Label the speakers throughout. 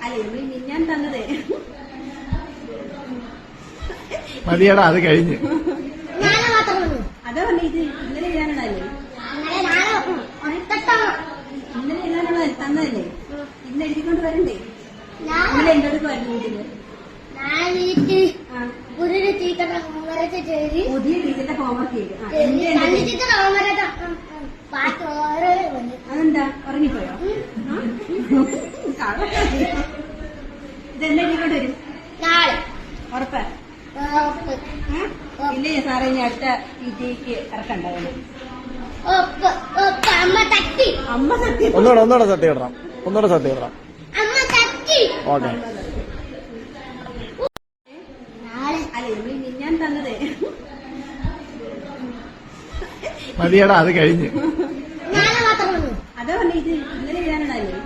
Speaker 1: അല്ലേ മിന്നാൻ തന്നതേ
Speaker 2: മതിയടാ, അത് കഴിഞ്ഞു.
Speaker 1: അതാ പറഞ്ഞ ഇത് ഇന്നലെ എഴുതാനുള്ളതല്ലേ? ഇന്നലെ എഴുതാനുള്ള തന്നതല്ലേ? ഇന്ന് എഴുതിക്കൊണ്ട് വരണ്ടേ? ഇന്നലെ എന്റെ അടുത്ത് വരുന്നു വീട്ടില്. പുതിയ ടീച്ചറിന്റെ ഹോംവർക്ക് ചെയ്തു. അതെന്താ ഉറങ്ങിപ്പോയോ? ഇതെന്നെ എഴുതിക്കൊണ്ട് വരും ഉറപ്പാ? ഇല്ലേ സാറേ, ഇനി അടുത്ത PTക്ക് ഇറക്കണ്ടാവുന്നു. അമ്മ സത്യം.
Speaker 2: ഒന്നുകൂടെ സത്യം ഇടണം. ഓക്കെ.
Speaker 1: അല്ലേ മിന്നാൻ തന്നതേ
Speaker 2: മതിയടാ, അത് കഴിഞ്ഞു.
Speaker 1: അതാ പറഞ്ഞ ഇത് ഇന്നലെ എഴുതാനുള്ളതല്ലേ?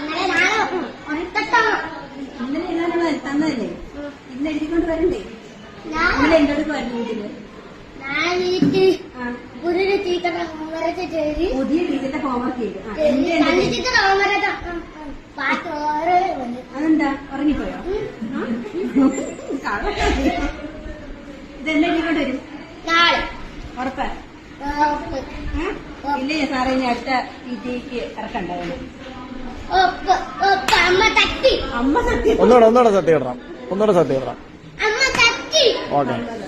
Speaker 1: ഇന്നലെ എഴുതാനുള്ള തന്നതല്ലേ? ഇന്ന് എഴുതിക്കൊണ്ട് വരണ്ടേ? ഇന്നലെ എന്റെ അടുത്ത് വരുന്നു വീട്ടില്. പുതിയ ടീച്ചറിന്റെ ഹോംവർക്ക് ചെയ്തു. അതെന്താ ഉറങ്ങിപ്പോയോ? ഇതെന്നെ എഴുതിക്കൊണ്ട് വരും ഉറപ്പാ? ഇല്ലേ സാറേ, ഇനി അടുത്ത PTക്ക് ഇറക്കണ്ടാവുന്നു.
Speaker 2: ഒന്നുകൂടെ സത്യം ഇടണം. ഓക്കെ.